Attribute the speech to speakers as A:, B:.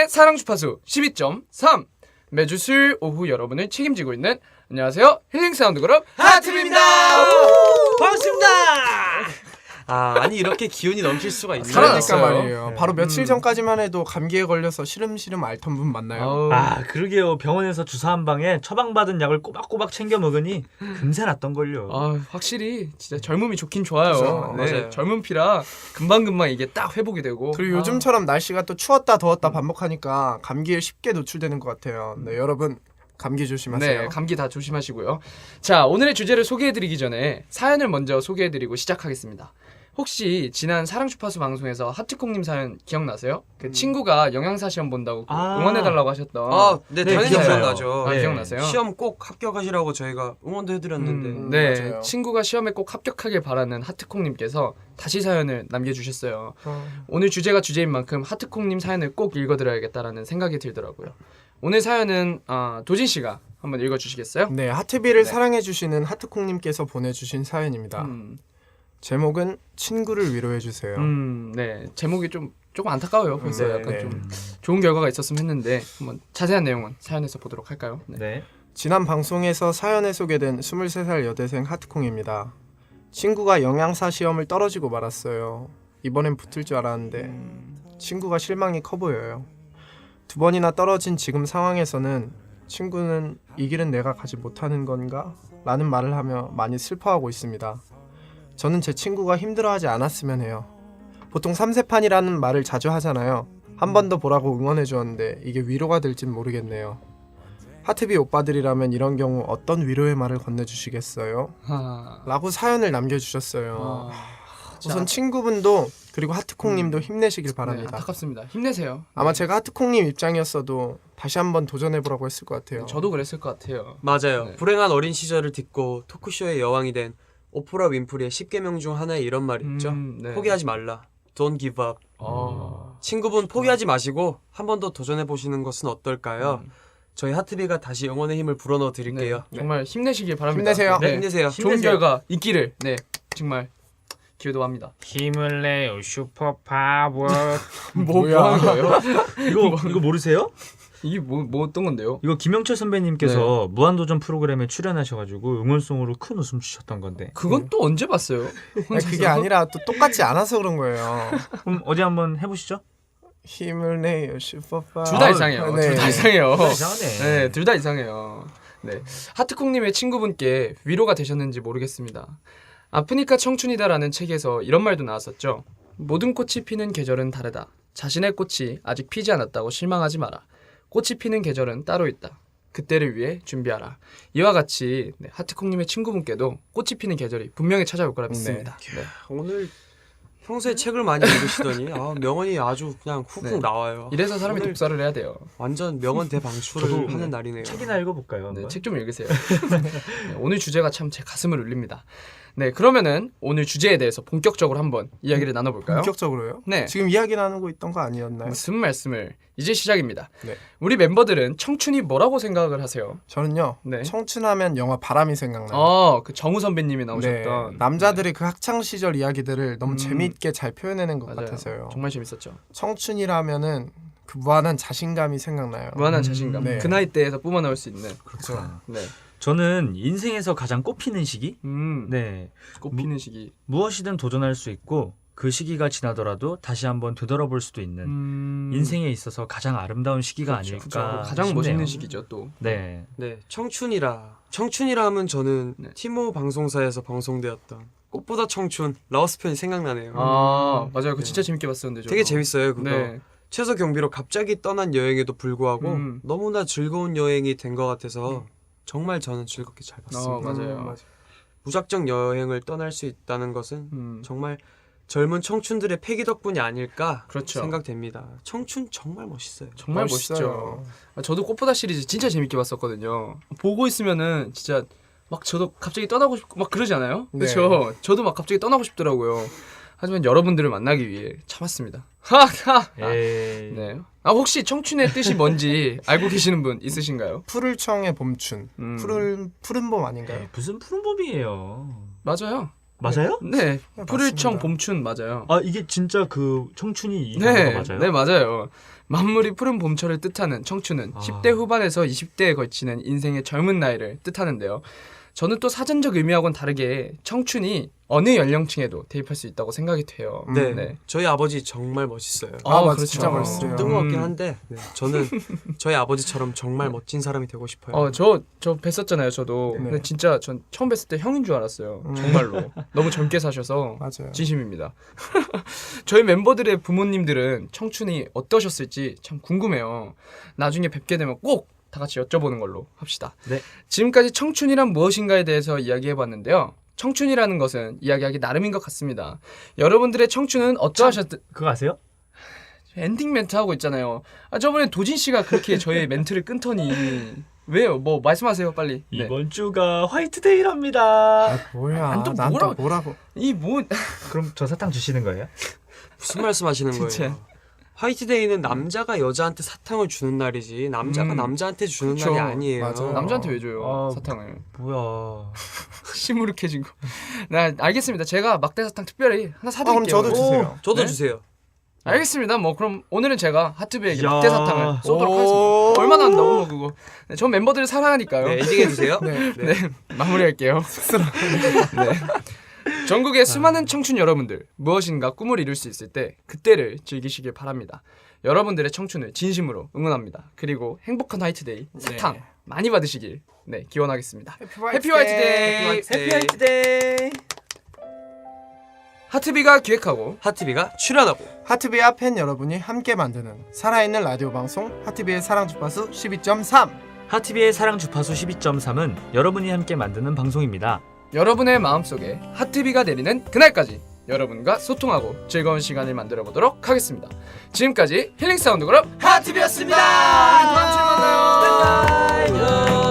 A: 사랑 주파수 12.3 매주 수요일 오후 여러분을 책임지고 있는 안녕하세요 힐링 사운드 그룹 하트입니다.
B: 반갑습니다. 아니 이렇게 기운이 넘칠 수가 있나요?
A: 살아났어요.
C: 말이에요. 바로 며칠 전까지만 해도 감기에 걸려서 시름시름 앓던 분 맞나요?
B: 그러게요. 병원에서 주사 한 방에 처방받은 약을 꼬박꼬박 챙겨 먹으니 금세 낫던걸요.
A: 확실히 진짜 젊음이 좋긴 좋아요.
C: 그렇죠.
A: 네,
B: 맞아요.
A: 젊은 피라 금방금방 이게 딱 회복이 되고.
C: 그리고 요즘처럼 날씨가 또 추웠다 더웠다 반복하니까 감기에 쉽게 노출되는 것 같아요. 네, 여러분 감기 조심하세요.
A: 네, 감기 다 조심하시고요. 자, 오늘의 주제를 소개해드리기 전에 사연을 먼저 소개해드리고 시작하겠습니다. 혹시 지난 사랑 주파수 방송에서 하트콩님 사연 기억나세요? 그 친구가 영양사 시험 본다고 응원해달라고 하셨던.
D: 네,
B: 네,
D: 당연히
B: 기억나요.
D: 기억나죠.
A: 아,
B: 네.
A: 기억나세요?
D: 시험 꼭 합격하시라고 저희가 응원도 해드렸는데
A: 네,
C: 맞아요.
A: 친구가 시험에 꼭 합격하길 바라는 하트콩님께서 다시 사연을 남겨주셨어요. 오늘 주제가 주제인 만큼 하트콩님 사연을 꼭 읽어드려야겠다라는 생각이 들더라고요. 오늘 사연은 도진 씨가 한번 읽어주시겠어요?
C: 네, 하트비를 사랑해주시는 하트콩님께서 보내주신 사연입니다. 제목은 친구를 위로해주세요.
A: 네, 제목이 조금 안타까워요. 벌써
B: 네,
A: 약간
C: 네.
A: 좀 좋은 결과가 있었으면 했는데 한번 자세한 내용은 사연에서 보도록 할까요? 네.
B: 네.
C: 지난 방송에서 사연에 소개된 23살 여대생 하트콩입니다. 친구가 영양사 시험을 떨어지고 말았어요. 이번엔 붙을 줄 알았는데 친구가 실망이 커 보여요. 2번이나 떨어진 지금 상황에서는 친구는 이 길은 내가 가지 못하는 건가? 라는 말을 하며 많이 슬퍼하고 있습니다. 저는 제 친구가 힘들어하지 않았으면 해요. 보통 3세판이라는 말을 자주 하잖아요. 한 번 더 보라고 응원해 주었는데 이게 위로가 될진 모르겠네요. 하트비 오빠들이라면 이런 경우 어떤 위로의 말을 건네주시겠어요? 라고 사연을 남겨주셨어요. 우선 친구분도 그리고 하트콩님도 힘내시길
A: 네,
C: 바랍니다.
A: 안타깝습니다. 힘내세요.
C: 아마 제가 하트콩님 입장이었어도 다시 한번 도전해보라고 했을 것 같아요.
A: 저도 그랬을 것 같아요.
D: 맞아요.
A: 네.
D: 불행한 어린 시절을 딛고 토크쇼의 여왕이 된 오프라 윈프리의 10계명 중 하나에 이런 말이 있죠.
A: 네.
D: 포기하지 말라. Don't give up. 친구분 포기하지 마시고 한 번 더 도전해보시는 것은 어떨까요? 저희 하트비가 다시 영혼의 힘을 불어넣어 드릴게요.
A: 네, 정말 힘내시길 바랍니다.
C: 힘내세요.
A: 네,
D: 힘내세요.
A: 좋은
B: 힘내세요.
A: 결과 있기를 정말 기도합니다.
B: 힘을 내요 슈퍼파워.
A: 뭐 하는 거예요?
B: 이거 모르세요?
A: 이게 뭐 어떤 건데요?
B: 이거 김영철 선배님께서 무한도전 프로그램에 출연하셔가지고 응원송으로 큰 웃음 주셨던 건데.
A: 그건 또 언제 봤어요?
C: 아니, 그게 아니라 또 똑같지 않아서 그런 거예요.
B: 그럼 어디 한번 해보시죠.
C: 힘을 내요 슈퍼파.
A: 둘 다 이상해요.
C: 네.
A: 둘 다 이상해요.
B: 이상하네.
A: 네, 둘 다 이상해요. 네, 하트콩님의 친구분께 위로가 되셨는지 모르겠습니다. 아프니까 청춘이다라는 책에서 이런 말도 나왔었죠. 모든 꽃이 피는 계절은 다르다. 자신의 꽃이 아직 피지 않았다고 실망하지 마라. 꽃이 피는 계절은 따로 있다. 그때를 위해 준비하라. 이와 같이 하트콩님의 친구분께도 꽃이 피는 계절이 분명히 찾아올 거라 믿습니다. 네.
D: 오늘 평소에 책을 많이 읽으시더니 명언이 아주 그냥 훅훅
A: 네.
D: 나와요.
A: 이래서 사람이
D: 오늘
A: 독서를 해야 돼요.
D: 완전 명언 대방출을
B: 저도
D: 하는 날이네요.
B: 책이나 읽어볼까요?
A: 네,
B: 한번?
A: 책 좀 읽으세요. 네, 오늘 주제가 참 제 가슴을 울립니다. 네, 그러면은 오늘 주제에 대해서 본격적으로 한번 이야기를 나눠볼까요?
C: 본격적으로요?
A: 네.
C: 지금 이야기 나누고 있던 거 아니었나요?
A: 무슨 말씀을 이제 시작입니다.
C: 네.
A: 우리 멤버들은 청춘이 뭐라고 생각을 하세요?
C: 저는요.
A: 네.
C: 청춘하면 영화 바람이 생각나요.
A: 그 정우 선배님이
C: 네.
A: 나오셨던
C: 남자들의 그 학창 시절 이야기들을 너무
A: 음.
C: 재미있게 잘 표현해낸 것
A: 맞아요.
C: 같아서요.
A: 정말 재밌었죠.
C: 청춘이라면은 그 무한한 자신감이 생각나요.
A: 무한한 자신감.
C: 네.
A: 그 나이 때에서 뿜어나올 수 있는.
C: 그렇죠.
A: 네.
B: 저는 인생에서 가장 꽃피는 시기? 네.
A: 꽃피는 시기.
B: 무엇이든 도전할 수 있고 그 시기가 지나더라도 다시 한번 되돌아볼 수도 있는 인생에 있어서 가장 아름다운 시기가 아닐까
A: 그렇죠. 가장
B: 싶네요.
A: 멋있는 시기죠 또.
B: 네.
D: 네, 청춘이라 하면 저는
A: 네.
D: 티모 방송사에서 방송되었던 꽃보다 청춘 라오스 편이 생각나네요.
A: 맞아요. 그거 진짜 재밌게 봤었는데 저도.
D: 되게 재밌어요 그거.
A: 네.
D: 최소 경비로 갑자기 떠난 여행에도 불구하고 너무나 즐거운 여행이 된 것 같아서 정말 저는 즐겁게 잘 봤습니다.
A: 맞아요.
D: 무작정 여행을 떠날 수 있다는 것은 정말 젊은 청춘들의 패기 덕분이 아닐까
A: 그렇죠.
D: 생각됩니다. 청춘 정말 멋있어요.
A: 정말 멋있죠. 저도 꽃보다 시리즈 진짜 재밌게 봤었거든요. 보고 있으면은 진짜 막 저도 갑자기 떠나고 싶고 막 그러지 않아요?
C: 네.
A: 그렇죠. 저도 막 갑자기 떠나고 싶더라고요. 하지만 여러분들을 만나기 위해 참았습니다. 하하.
B: 에이.
A: 네. 혹시 청춘의 뜻이 뭔지 알고 계시는 분 있으신가요?
C: 푸를 청의 봄춘. 푸른 봄 아닌가요?
B: 무슨 푸른 봄이에요.
A: 맞아요.
B: 맞아요?
A: 네,
C: 네,
A: 푸르청
C: 맞습니다.
A: 봄춘 맞아요.
B: 아 이게 진짜 그 청춘이 이
A: 네,
B: 단어가 맞아요?
A: 네 맞아요. 만물이 푸른 봄철을 뜻하는 청춘은
B: 아.
A: 10대 후반에서 20대에 걸치는 인생의 젊은 나이를 뜻하는데요. 저는 또 사전적 의미하고는 다르게 청춘이 어느 연령층에도 대입할 수 있다고 생각이 돼요.
D: 네.
A: 네.
D: 저희 아버지 정말 멋있어요.
C: 맞아, 진짜 멋있어요.
D: 뜬금없긴 한데 네, 저는 저희 아버지처럼 정말 멋진 사람이 되고 싶어요.
A: 저 뵀었잖아요. 저도.
C: 네.
A: 근데 진짜 전 처음 뵀을 때 형인 줄 알았어요. 정말로. 너무 젊게 사셔서
C: 맞아요.
A: 진심입니다. 저희 멤버들의 부모님들은 청춘이 어떠셨을지 참 궁금해요. 나중에 뵙게 되면 꼭 다 같이 여쭤보는 걸로 합시다.
B: 네.
A: 지금까지 청춘이란 무엇인가에 대해서 이야기해봤는데요. 청춘이라는 것은 이야기하기 나름인 것 같습니다. 여러분들의 청춘은 어떠하셨든
B: 그거 아세요?
A: 엔딩 멘트 하고 있잖아요. 저번에 도진 씨가 그렇게 저의 멘트를 끊더니 왜요? 뭐 말씀하세요 빨리. 네.
B: 이번 주가 화이트데이랍니다.
C: 아, 뭐야?
A: 난 또
C: 난
A: 뭐라고-
C: 또 뭐라고?
A: 이 뭐
B: 그럼 저 사탕 주시는 거예요?
D: 무슨 말씀하시는
A: 진짜.
D: 거예요? 화이트데이는 남자가 여자한테 사탕을 주는 날이지 남자가 남자한테 주는
A: 그쵸.
D: 날이 아니에요.
C: 맞아요.
A: 남자한테 왜 줘요
B: 아,
A: 사탕을?
B: 뭐야?
A: 시무룩해진 거. 네, 알겠습니다. 제가 막대 사탕 특별히 하나 사드릴게요.
C: 그럼 저도 주세요.
D: 저도
A: 네?
D: 주세요.
A: 알겠습니다. 뭐 그럼 오늘은 제가 하트비에게
B: 야.
A: 막대 사탕을 쏘도록
C: 오.
A: 하겠습니다. 얼마나 한다고 뭐 그거. 네, 전 멤버들을 사랑하니까요.
D: 네, 엔딩 해주세요.
C: 네.
A: 네, 마무리할게요. 네. 전국의 수많은 청춘 여러분들 무엇인가 꿈을 이룰 수 있을 때 그때를 즐기시길 바랍니다. 여러분들의 청춘을 진심으로 응원합니다. 그리고 행복한 화이트데이 사탕
C: 네.
A: 많이 받으시길 기원하겠습니다.
C: 해피
A: 화이트데이!
D: 해피 화이트데이.
A: 하트비가 기획하고
D: 하트비가 출연하고
C: 하트비와 팬 여러분이 함께 만드는 살아있는 라디오 방송 하트비의 사랑 주파수 12.3.
B: 하티비의 사랑 주파수 12.3은 여러분이 함께 만드는 방송입니다.
A: 여러분의 마음속에 하트비가 내리는 그날까지 여러분과 소통하고 즐거운 시간을 만들어 보도록 하겠습니다. 지금까지 힐링 사운드 그룹 하트비였습니다. 다음 주에 만나요.
D: 안녕.